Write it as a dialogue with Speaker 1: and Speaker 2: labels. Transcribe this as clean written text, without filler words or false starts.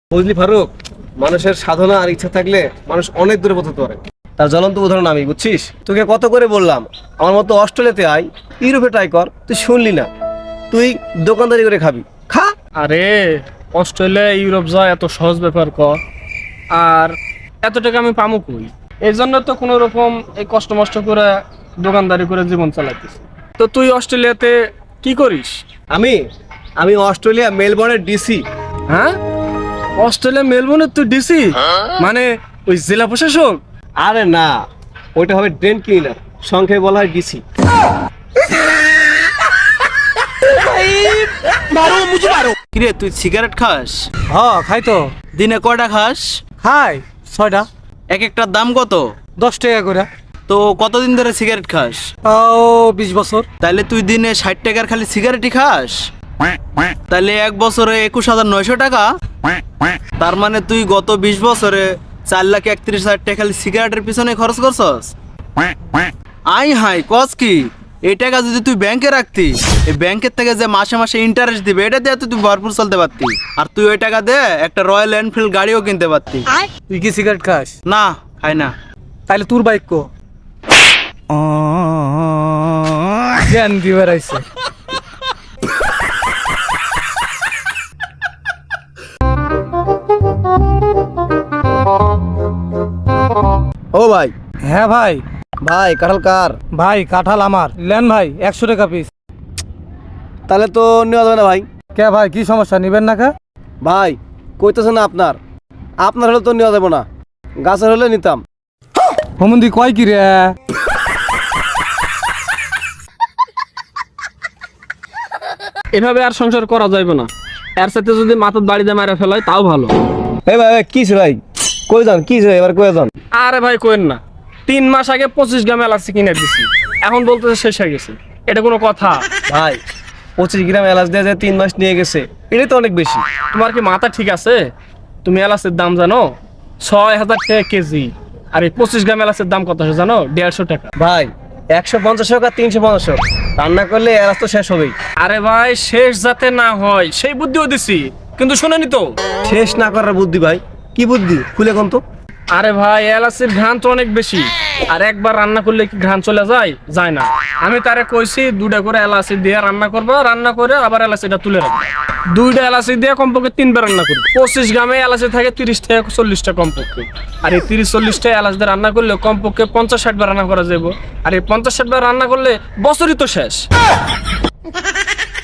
Speaker 1: বুঝলি ফারুক, মানুষের সাধনা আর ইচ্ছা থাকলে মানুষ অনেক দূরে পৌঁছতে পারে। তার জ্বলন্ত উদাহরণ আমি, বুঝছিস? তোকে কত করে বললাম আমার মতো অস্ট্রেলিয়াতে আয়, ইউরোপে ট্রাই কর, তুই শুনলি না। তুই দোকানদারি করে খাবি, খা।
Speaker 2: আরে অস্ট্রেলিয়া ইউরোপ যাওয়া এত সহজ ব্যাপার কর, আর এত টাকা আমি পামু কই? এই জন্য তো কোনো রকম এই কষ্ট মষ্ট করে দোকানদারি করে জীবন চালাইতেছি। তো তুই অস্ট্রেলিয়াতে কি করিস?
Speaker 1: আমি আমি অস্ট্রেলিয়া মেলবোর্নের ডিসি।
Speaker 2: হ্যাঁ, অস্ট্রেলিয়া মেলবোর্নের তুই ডিসি? মানে ওই জেলা প্রশাসক?
Speaker 1: আরে না, ওইটা হবে ড্রেন ক্লিনার, সংখ্যায় বলা হয় ডিসি।
Speaker 3: কিরে তুই সিগারেট খাস?
Speaker 4: হ্যাঁ খাই তো।
Speaker 3: দিনে কয়টা খাস?
Speaker 4: খাই 6টা।
Speaker 3: এক একটার দাম কত?
Speaker 4: 10 টাকা করে।
Speaker 3: তো কতদিন ধরে সিগারেট খাস?
Speaker 4: ও 20 বছর।
Speaker 3: তাইলে তুই দিনে 60 টাকার খালি সিগারেটই খাস? তাইলে এক বছরে 21,900 টাকা। তার মানে তুই গত 20 বছরে 4,31,000 টাকা খালি সিগারেটের পিছনে খরচ করছস। আই হাই কস কি? এই টাকা যদি তুই ব্যাংকে রাখতি, এই ব্যাংকের থেকে যে মাসে মাসে ইন্টারেস্ট দিবে, এটা দিয়ে তুই ভরপুর চলতে পারতি। আর তুই ওই টাকা দিয়ে একটা রয়্যাল এনফিল্ড গাড়িও কিনতে পারতি।
Speaker 4: তুই কি সিগারেট খাস?
Speaker 3: না, খাই না।
Speaker 4: তাইলে তোর বাইক কো? জ্ঞান দিবার আইছে।
Speaker 1: ও ভাই।
Speaker 4: হ্যাঁ ভাই।
Speaker 1: ভাই কাঁঠাল কার?
Speaker 4: ভাই কাঁঠাল আমার। লেন ভাই 100 টাকা পিস।
Speaker 1: তাহলে তো নেওয়া যাবে না ভাই।
Speaker 4: কে ভাই কি সমস্যা, নিবেন না কে?
Speaker 1: ভাই কইতেছে না আপনার আপনার হলে তো নেওয়া যাবে না, গাছের হলে নিতাম।
Speaker 4: হুমন্দি কয় কি রে?
Speaker 2: এভাবে আর সংসার করা যাইবে না। এর সাথে যদি মাথার বাড়িতে মারা ফেলায় তাও ভালো।
Speaker 1: এই ভাই কিছে ভাই, কই যান? কিছে এবার কই যান?
Speaker 2: আরে ভাই কোয়েন না, 3 মাস আগে 25 গ্রাম এলাচি কিনে দিছি, এখন বলতেছে শেষ হয়ে গেছে। এটা কোনো কথা?
Speaker 1: ভাই 25 গ্রাম এলাচ দিয়ে যে 3 মাস নিয়ে গেছে, এটাই তো অনেক বেশি।
Speaker 2: তোমার কি মাথা ঠিক আছে? তুমি এলাচের দাম জানো? 6,000 টাকা কেজি। আর এই 25 গ্রাম এলাচের দাম কত জানো? 150 টাকা।
Speaker 1: ভাই 150 হোক আর 350 হোক, রান্না করলে এলাচ তো শেষ হবেই।
Speaker 2: আরে ভাই শেষ যাতে না হয় সেই বুদ্ধিও দিছি, কিন্তু শুনেনি তো।
Speaker 1: শেষ না করার বুদ্ধি? ভাই কি বুদ্ধি, খুলে কোন তো।
Speaker 2: আরে ভাই এলাচির ঘ্রাণ তো অনেক বেশি, আর একবার রান্না করলে কি ঘ্রাণ চলে যায়? যায় না। আমি তারে কইছি 2টা করে এলাচি দিয়ে রান্না করবা, রান্না করে আবার এলাচিটা তুলে রাখবা। 2টা এলাচি দিয়ে কমপক্ষে 3বার রান্না করবে। 25 গ্রামে এলাচি থাকে 30 থেকে 40টা কমপক্ষে। আর এই 30-40টা এলাচ দিয়ে রান্না করলে কমপক্ষে 50-60 বার রান্না করা যাবে। আর এই 50-60 বার রান্না করলে বছরই তো শেষ।